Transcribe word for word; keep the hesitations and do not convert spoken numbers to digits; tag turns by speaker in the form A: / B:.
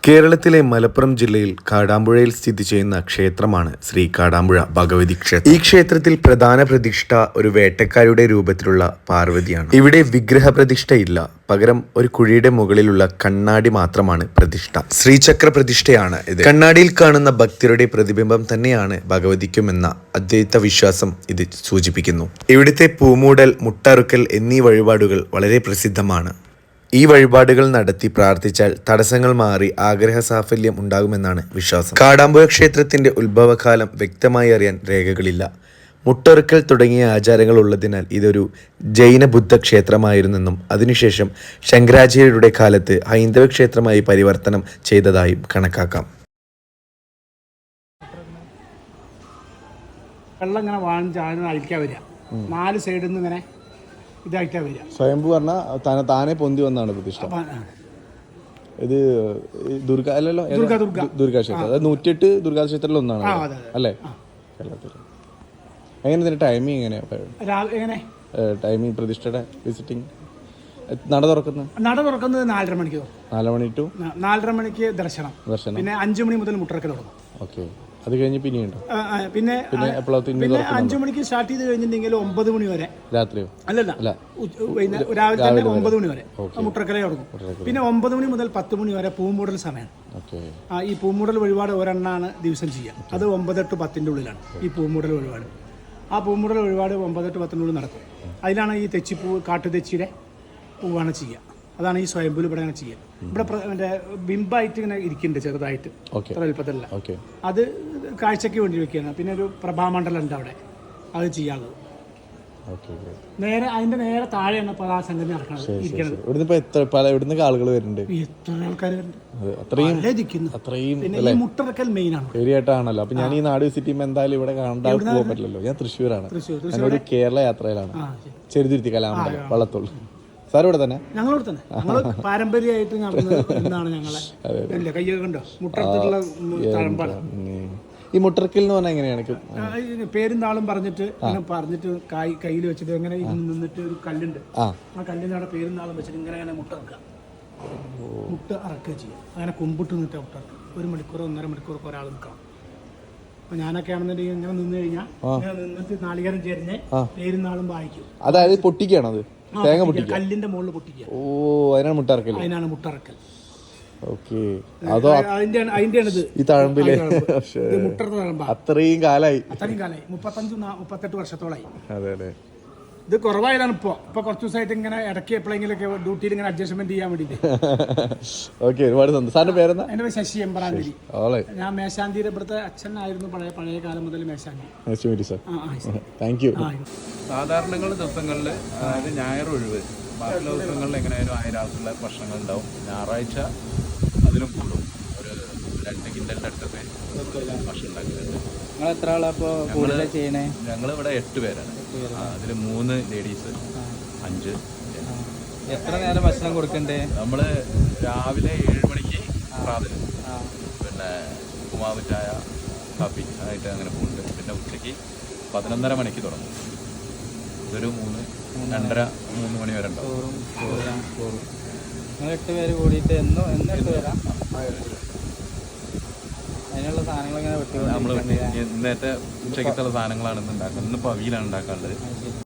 A: കേരളത്തിലെ മലപ്പുറം ജില്ലയിൽ കാടാമ്പുഴയിൽ സ്ഥിതി ചെയ്യുന്ന ക്ഷേത്രമാണ് ശ്രീ കാടാമ്പുഴ ഭഗവതി ക്ഷേത്രം. ഈ ക്ഷേത്രത്തിൽ പ്രധാന പ്രതിഷ്ഠ ഒരു വേട്ടക്കാരുടെ രൂപത്തിലുള്ള പാർവതിയാണ്. ഇവിടെ വിഗ്രഹ പ്രതിഷ്ഠയില്ല, പകരം ഒരു കുഴിയുടെ മുകളിലുള്ള കണ്ണാടി മാത്രമാണ് പ്രതിഷ്ഠ. ശ്രീചക്ര പ്രതിഷ്ഠയാണ് ഇത്. കണ്ണാടിയിൽ കാണുന്ന ഭക്തരുടെ പ്രതിബിംബം തന്നെയാണ് ഭഗവതിക്കുമെന്ന അദ്വൈത വിശ്വാസം ഇത് സൂചിപ്പിക്കുന്നു. ഇവിടുത്തെ പൂമൂടൽ, മുട്ടറുക്കൽ എന്നീ വഴിപാടുകൾ വളരെ പ്രസിദ്ധമാണ്. ഈ വഴിപാടുകൾ നടത്തി പ്രാർത്ഥിച്ചാൽ തടസ്സങ്ങൾ മാറി ആഗ്രഹ സാഫല്യം ഉണ്ടാകുമെന്നാണ് വിശ്വാസം. കാടാമ്പുഴ ക്ഷേത്രത്തിന്റെ ഉത്ഭവകാലം വ്യക്തമായി അറിയാൻ രേഖകളില്ല. മുട്ടറുക്കൽ തുടങ്ങിയ ആചാരങ്ങൾ ഉള്ളതിനാൽ ഇതൊരു ജൈന ബുദ്ധ ക്ഷേത്രമായിരുന്നെന്നും അതിനുശേഷം ശങ്കരാചാര്യരുടെ കാലത്ത് ഹൈന്ദവ ക്ഷേത്രമായി പരിവർത്തനം ചെയ്തതായും കണക്കാക്കാം.
B: വെള്ളം ഇങ്ങനെ വാങ്ങിച്ചാണ് അഴിക്കാൻ വരിക, നാല് സൈഡിൽ നിന്ന് ഇങ്ങനെ ഇതായിട്ടാ വരിക.
C: സ്വയംഭൂ പറഞ്ഞാൽ താനെ പൊന്തി വന്നാണ് പ്രതിഷ്ഠ. ഇത് ദുർഗ അല്ലല്ലോ, ദുർഗാ ക്ഷേത്രം. അതായത് നൂറ്റിയെട്ട് ദുർഗാ ക്ഷേത്രത്തിൽ ഒന്നാണ് അല്ലേ കേരളത്തിൽ. എങ്ങനെ ഇതിന്റെ ടൈമിങ് എങ്ങനെയാ? ടൈമിങ് പ്രതിഷ്ഠയുടെ വിസിറ്റിംഗ് നട തുറക്കുന്നത്
B: നട തുറക്കുന്നത് നാലര മണിക്ക്
C: നാല് മണി ടു
B: നാലര മണിക്ക് ദർശനം ദർശനം പിന്നെ അഞ്ചു മണി മുതൽ മുട്ടറക്കൽ തുടങ്ങും.
C: ഓക്കെ, അത് കഴിഞ്ഞ് പിന്നെയുണ്ടോ?
B: പിന്നെ പിന്നെ അഞ്ചു മണിക്ക് സ്റ്റാർട്ട് ചെയ്ത് കഴിഞ്ഞിട്ടുണ്ടെങ്കിൽ ഒമ്പത് മണി വരെ രാത്രിയോ അല്ലല്ല രാവിലെ തന്നെ ഒമ്പത് മണി വരെ മുട്ടറക്കലേ തുടങ്ങും. പിന്നെ ഒമ്പത് മണി മുതൽ പത്ത് മണി വരെ പൂമൂടൽ സമയമാണ്. ആ ഈ പൂമൂടൽ വഴിപാട് ഒരെണ്ണാണ് ദിവസം ചെയ്യുക. അത് ഒമ്പതെട്ട് പത്തിന്റെ ഉള്ളിലാണ് ഈ പൂമൂടൽ വഴിപാട്. ആ പൂമൂടൽ വഴിപാട് ഒമ്പതെട്ട് പത്തിൻ്റെ ഉള്ളിൽ നടക്കും. അതിലാണ് ഈ തെച്ചിപ്പൂ, കാട്ടുതെച്ചിയുടെ പൂവാണ് ചെയ്യുക. അതാണ് ഈ സ്വയംഭൂല് ഇവിടെ അങ്ങനെ ചെയ്യുക. ഇവിടെ മറ്റേ ബിംബായിട്ട് ഇങ്ങനെ ഇരിക്കുന്നുണ്ട് ചെറുതായിട്ട്, അത്ര എളുപ്പത്തില്ല. അത് കാഴ്ചയ്ക്ക് വേണ്ടി വെക്കുകയാണ്. പിന്നെ ഒരു പ്രഭാമണ്ഡലം ഉണ്ട് അവിടെ, അത് ചെയ്യാനുള്ളത്. നേരെ അതിന്റെ നേരെ താഴെയാണ് ഇപ്പോൾ ആ സംഗതി നടക്കുന്നത്.
C: ഇവിടുന്ന് ആളുകൾ വരുന്നുണ്ട്,
B: എത്ര ആൾക്കാർ
C: വരുന്നുണ്ട്.
B: പിന്നെ മുട്ടറക്കൽ മെയിൻ ആണ്
C: ഏരിയായിട്ടാണല്ലോ. അപ്പൊ ഞാൻ ഈ നാട് വിസിറ്റ് ചെയ്യുമ്പോൾ എന്തായാലും ഇവിടെ കാണാൻ പോകാൻ പറ്റില്ലല്ലോ. ഞാൻ തൃശ്ശൂരാണ്, ഒരു കേരള യാത്രയിലാണ്. ചെറുതുരുത്തി കലാമണ്ഡലം വള്ളത്തോൾ. സാർ ഇവിടെ തന്നെ?
B: ഞങ്ങളിവിടെ തന്നെ. ഞങ്ങൾ പാരമ്പര്യമായിട്ട് നടന്നത് എന്നാണ് ഞങ്ങളെ കയ്യൊക്കെ ഉണ്ടോ മുട്ടറത്തിലുള്ള തഴമ്പാണ്.
C: ഈ മുട്ടറക്കൽ എന്ന് പറഞ്ഞാൽ എങ്ങനെയാണ്?
B: പേരും നാളും പറഞ്ഞിട്ട് പറഞ്ഞിട്ട് കായ് കയ്യിൽ വെച്ചിട്ട് എങ്ങനെ നിന്നിട്ട് ഒരു കല്ലുണ്ട്, ആ കല്ലിന്റെ അവിടെ പേരും നാളും വെച്ചിട്ട് ഇങ്ങനെ അങ്ങനെ മുട്ട ഇറക്കുക, മുട്ട ഇറക്കുക ചെയ്യുക. അങ്ങനെ കുമ്പിട്ട് നിന്നിട്ട് മുട്ട ഇറക്കുക. ഒരു മണിക്കൂറോ ഒന്നര മണിക്കൂറൊക്കെ ഒരാൾ നിൽക്കണം. അപ്പൊ ഞാനൊക്കെ ആണെന്നുണ്ടെങ്കിൽ ഇങ്ങനെ നിന്ന് കഴിഞ്ഞാൽ നിന്നിട്ട് നാളികേരം ചേരുന്ന പേരും നാളും വായിക്കും.
C: അതായത് പൊട്ടിക്കുകയാണത്, തേങ്ങ പൊട്ടിക്കുക,
B: കല്ലിന്റെ മുകളിൽ പൊട്ടിക്കുക.
C: ഓ, അതിനാണ് മുട്ടറക്കൽ.
B: അതിനാണ് മുട്ടറക്കൽ.
C: ഓക്കെ, അതോ
B: അതിന്റെയാണിത്
C: ഈ തഴമ്പിലെ അത്രയും കാലായി
B: അത്രയും കാലായി മുപ്പത്തഞ്ച് മുപ്പത്തെട്ട് വർഷത്തോളായി.
C: അതെ അതെ.
B: ഇത് കുറവായതാണ് ഇപ്പൊ ഇപ്പൊ കുറച്ച് ദിവസമായിട്ട് ഇങ്ങനെ ഇടയ്ക്ക് എപ്പോഴെങ്കിലൊക്കെ ഡ്യൂട്ടിയിൽ ഇങ്ങനെ അഡ്ജസ്റ്റ്മെന്റ് ചെയ്യാൻ വേണ്ടിട്ട്.
C: ഓക്കെ, ഒരുപാട് സന്തോഷം. സാറിന്റെ പേരെന്താ?
B: എന്റെ പേര് ശശി എമ്പറാന്തിരി. ഞാൻ മേശാന്തിരി ഇവിടുത്തെ അച്ഛനായിരുന്നു പഴയ പഴയ കാലം മുതൽ മേശാന്തി.
C: Thank you.
D: സാധാരണ ദിവസങ്ങളിൽ അതായത് ഞായർ ഒഴിവ്, ബാക്കിയുള്ള ദിവസങ്ങളിൽ എങ്ങനെയായാലും ആയിരം ആൾക്കുള്ള ഭക്ഷണങ്ങൾ ഉണ്ടാവും. ഞായറാഴ്ച അതിലും കൂടും, ഒരു രണ്ട് കിൻഡലിൻ്റെ അടുത്തൊക്കെ ഭക്ഷണം ഉണ്ടാക്കുന്നുണ്ട്.
E: നിങ്ങൾ എത്ര ആളപ്പോൾ കൂടുതൽ ചെയ്യണേ?
D: ഞങ്ങളിവിടെ എട്ട് പേരാണ്. അതിൽ മൂന്ന് ലേഡീസ്, അഞ്ച്.
E: എത്ര നേരം ഭക്ഷണം കൊടുക്കണ്ടേ?
D: നമ്മൾ രാവിലെ ഏഴ് മണിക്ക് പ്രാതലും, പിന്നെ ഉമാവ് ചായ, കാപ്പി ആയിട്ട് അങ്ങനെ പോകുന്നുണ്ട്. പിന്നെ ഉച്ചയ്ക്ക് പതിനൊന്നര മണിക്ക് തുടങ്ങും. ഇതൊരു മൂന്ന് രണ്ടര മൂന്ന് മണി വരെ ഉണ്ടാവും.
E: നിങ്ങൾ എട്ട് പേര് കൂടിയിട്ട് എന്നും എന്നും എട്ട് പേരാ? അതിനുള്ള സാധനങ്ങൾ ഇങ്ങനെ വെട്ടി
D: നമ്മൾ ഇന്നത്തെ ഉച്ചയ്ക്കത്തുള്ള സാധനങ്ങളാണ് ഇന്ന് ഉണ്ടാക്കുന്നത്. ഇന്നിപ്പോൾ അവിയലാണ് ഉണ്ടാക്കാനുള്ളത്.